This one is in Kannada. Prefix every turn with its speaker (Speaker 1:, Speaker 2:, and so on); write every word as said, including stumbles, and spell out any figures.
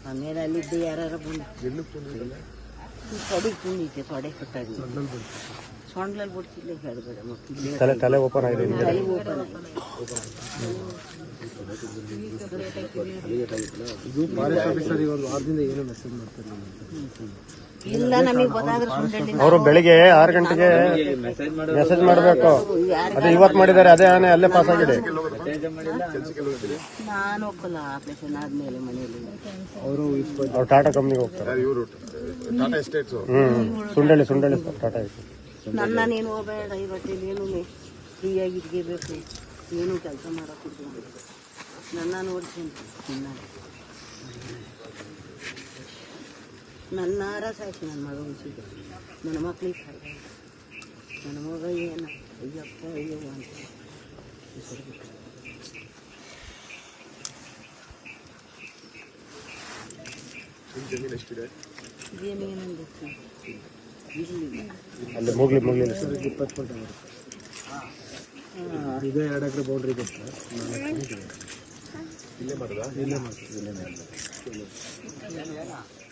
Speaker 1: ಆಮೇಲೆ ಅಲ್ಲಿದ್ದು ಯಾರು ಬಂದು ತೊಡೆ ತುಂಬಿದ್ದೆ ತೊಡೆ ಕಟ್ಟಾಗಿ ಸೊಂಡ್ಲಲ್ಲಿ ಬಿಡ್ತಿಲ್ಲ ಹೇಳಬೇಡ ಮಕ್ಕಳು
Speaker 2: ತಲೆ ತಲೆ ಓಪನ್ ಆಗಿದೆ
Speaker 1: ತಲೆ ಓಪನ್ ಇಲ್ಲ ನಮಗೆ ಗೊತ್ತಾದ್ರೆ ಸುಂಡಳ್ಳಿ
Speaker 2: ಅವರು ಬೆಳಿಗ್ಗೆ ಆರು ಗಂಟೆಗೆ ಮೆಸೇಜ್ ಮಾಡಬೇಕು. ಅದೇ ಇವತ್ತು ಮಾಡಿದ್ದಾರೆ. ಅದೇ ಆನೆ ಅಲ್ಲೇ ಪಾಸ್ ಆಗಿದೆ.
Speaker 1: ನಾನು ಒಪ್ಪಲ್ಲ ಆಪರೇಷನ್ ಆದ್ಮೇಲೆ ಮನೆಯಲ್ಲಿ
Speaker 2: ಅವರು ಅವ್ರು ಟಾಟಾ ಕಂಪ್ನಿಗೆ ಹೋಗ್ತಾರೆ. ಹ್ಮ್ ಸುಂಡಳ್ಳಿ ಸುಂಡಳ್ಳಿ ಟಾಟಾ ಇದೆ.
Speaker 1: ನನ್ನ ನೀನು ಹೋಗಬೇಡ ಇವತ್ತೇನು ಏನು ಫ್ರೀಯಾಗಿ ಇಟ್ಕೋಬೇಕು. ಏನು ಕೆಲಸ ಮಾಡೋಕ್ಕಿಲ್ಲ. ನನ್ನ ನೋಡ್ತೀನಿ ನನ್ನ ನನ್ನಾರ ಸಾಯ್ತು. ನನ್ನ ಮಗ ಉಳಿಸಿದ್ದೆ. ನನ್ನ ಮಕ್ಳಿಗೆ ಸಾಯ್ತು. ನನ್ನ ಮಗ ಏನು ಅಯ್ಯಪ್ಪ ಅಯ್ಯವ್ವ ಅಂತ ಜಮೀನಂದು
Speaker 2: ಅಲ್ಲಿ ಮುಗ್ಲಿ ಮುಗ್ಲಿ
Speaker 3: ಇಪ್ಪತ್ತು ಫೋಟೋ ಈಗ ಎರಡು ಎಕರೆ ಬೌಂಡ್ರಿ ಇದೆ ಸರ್. ಇಲ್ಲೇ ಮಾಡೋದಾ? ಇಲ್ಲೇ ಮಾಡ್ತೀವಿ. ಇಲ್ಲೇ